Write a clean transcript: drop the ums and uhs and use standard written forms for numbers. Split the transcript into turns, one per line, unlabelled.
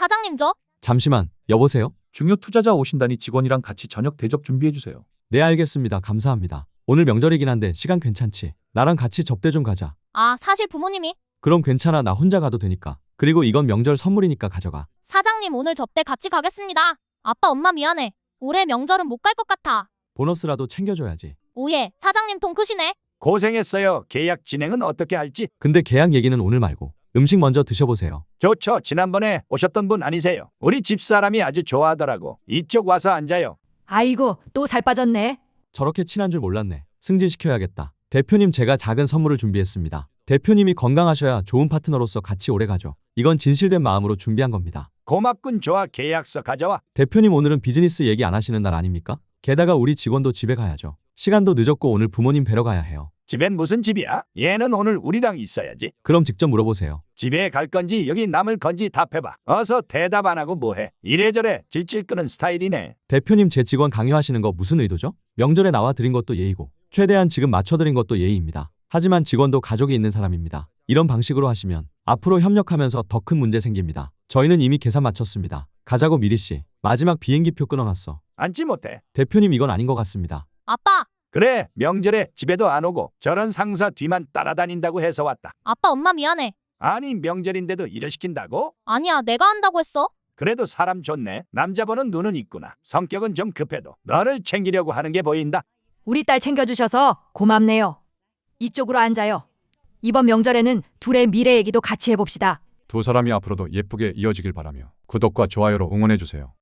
사장님
잠시만, 여보세요?
중요 투자자 오신다니 직원이랑 같이 저녁 대접 준비해주세요.
네, 알겠습니다. 감사합니다. 오늘 명절이긴 한데 시간 괜찮지? 나랑 같이 접대 좀 가자.
사실 부모님이.
그럼 괜찮아. 나 혼자 가도 되니까. 그리고 이건 명절 선물이니까 가져가.
사장님 오늘 접대 같이 가겠습니다. 아빠 엄마 미안해. 올해 명절은 못 갈 것 같아.
보너스라도 챙겨줘야지.
오예, 사장님 통 크시네.
고생했어요. 계약 진행은 어떻게 할지.
근데 계약 얘기는 오늘 말고 음식 먼저 드셔보세요.
좋죠. 지난번에 오셨던 분 아니세요? 우리 집사람이 아주 좋아하더라고. 이쪽 와서 앉아요.
아이고, 또 살 빠졌네.
저렇게 친한 줄 몰랐네. 승진시켜야겠다. 대표님, 제가 작은 선물을 준비했습니다. 대표님이 건강하셔야 좋은 파트너로서 같이 오래가죠. 이건 진실된 마음으로 준비한 겁니다.
고맙군. 좋아. 계약서 가져와.
대표님, 오늘은 비즈니스 얘기 안 하시는 날 아닙니까? 게다가 우리 직원도 집에 가야죠. 시간도 늦었고 오늘 부모님 뵈러 가야 해요.
집엔 무슨 집이야? 얘는 오늘 우리랑 있어야지.
그럼 직접 물어보세요.
집에 갈 건지 여기 남을 건지 답해봐. 어서 대답 안 하고 뭐해. 이래저래 질질 끄는 스타일이네.
대표님, 제 직원 강요하시는 거 무슨 의도죠? 명절에 나와 드린 것도 예의고 최대한 지금 맞춰드린 것도 예의입니다. 하지만 직원도 가족이 있는 사람입니다. 이런 방식으로 하시면 앞으로 협력하면서 더 큰 문제 생깁니다. 저희는 이미 계산 마쳤습니다. 가자고. 미리씨, 마지막 비행기표 끊어놨어.
앉지 못해.
대표님, 이건 아닌 것 같습니다.
아빠,
그래. 명절에 집에도 안 오고 저런 상사 뒤만 따라다닌다고 해서 왔다.
아빠 엄마 미안해.
아니 명절인데도 일을 시킨다고?
아니야, 내가 한다고 했어.
그래도 사람 좋네. 남자 보는 눈은 있구나. 성격은 좀 급해도 너를 챙기려고 하는 게 보인다.
우리 딸 챙겨주셔서 고맙네요. 이쪽으로 앉아요. 이번 명절에는 둘의 미래 얘기도 같이 해봅시다.
두 사람이 앞으로도 예쁘게 이어지길 바라며 구독과 좋아요로 응원해주세요.